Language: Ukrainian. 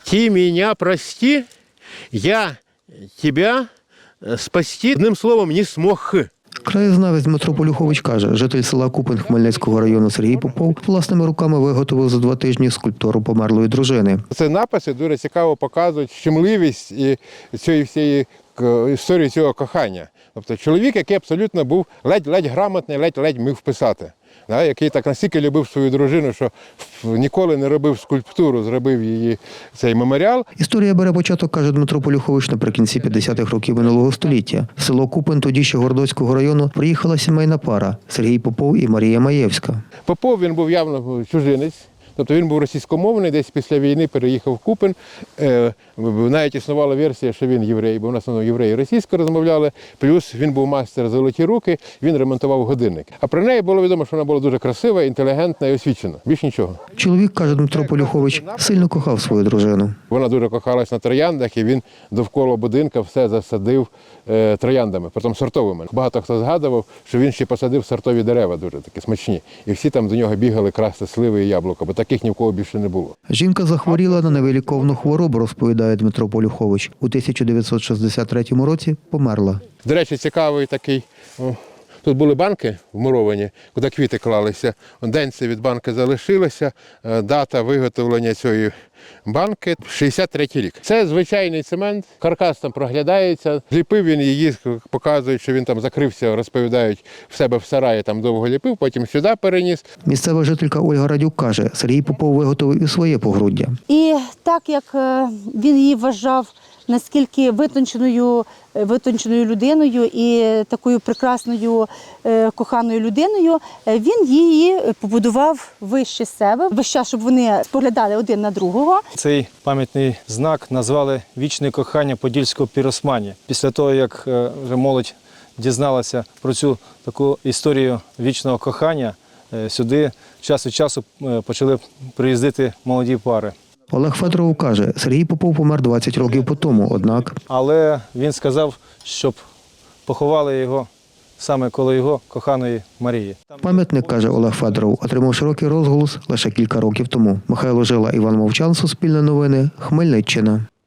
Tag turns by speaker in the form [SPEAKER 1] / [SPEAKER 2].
[SPEAKER 1] «Ти меня прости, я тебя спасти, одним словом, не смог».
[SPEAKER 2] Краєзнавець Дмитро Полюхович каже, житель села Купин Хмельницького району Сергій Попов власними руками виготовив за 2 тижні скульптуру померлої дружини.
[SPEAKER 1] Це написи дуже цікаво показують щемливість і цієї всієї історії цього кохання. Тобто чоловік, який абсолютно був ледь-ледь грамотний, ледь-ледь міг писати. Який так настільки любив свою дружину, що ніколи не робив скульптуру, зробив її цей меморіал.
[SPEAKER 2] Історія бере початок, каже Дмитро Полюхович, наприкінці 50-х років минулого століття. В село Купин, тоді ще Городоцького району, приїхала сімейна пара – Сергій Попов і Марія Маєвська.
[SPEAKER 1] Попов, він був явно чужинець. Тобто він був російськомовний, десь після війни переїхав в Купин. Навіть існувала версія, що він єврей, бо в нас євреї російсько розмовляли. Плюс він був майстер золоті руки, він ремонтував годинник. А про неї було відомо, що вона була дуже красива, інтелігентна і освічена. Більш нічого.
[SPEAKER 2] Чоловік, каже Дмитро Полюхович, сильно кохав свою дружину.
[SPEAKER 1] Вона дуже кохалась на трояндах, і він довкола будинка все засадив трояндами, потім сортовими. Багато хто згадував, що він ще посадив сортові дерева, дуже такі смачні. І всі там до нього бігали красти сливи і яблука, бо таких ні в кого більше не було.
[SPEAKER 2] Жінка захворіла на невиліковну хворобу, розповідає Дмитро Полюхович. У 1963 році померла.
[SPEAKER 1] До речі, цікавий такий. Тут були банки вмуровані, куди квіти клалися. Денце від банки залишилося, дата виготовлення цієї банки – 63-й рік. Це звичайний цемент, каркас там проглядається. Ліпив він її, показують, що він там закрився, розповідають, в себе в сараї там довго ліпив, потім сюди переніс.
[SPEAKER 2] Місцева жителька Ольга Радюк каже, Сергій Попов виготовив і своє погруддя.
[SPEAKER 3] І так як він її вважав наскільки витонченою людиною і такою прекрасною коханою людиною, він її побудував вище себе, весь час, щоб вони споглядали один на другого.
[SPEAKER 4] Цей пам'ятний знак назвали «Вічне кохання подільського піросмані». Після того, як вже молодь дізналася про цю таку історію вічного кохання, сюди час від часу почали приїздити молоді пари.
[SPEAKER 2] Олег Федоров каже, Сергій Попов помер 20 років по тому, однак...
[SPEAKER 4] Але він сказав, щоб поховали його саме коло його коханої Марії.
[SPEAKER 2] Пам'ятник, каже Олег Федоров, отримав широкий розголос лише кілька років тому. Михайло Жила, Іван Мовчан, Суспільне новини, Хмельниччина.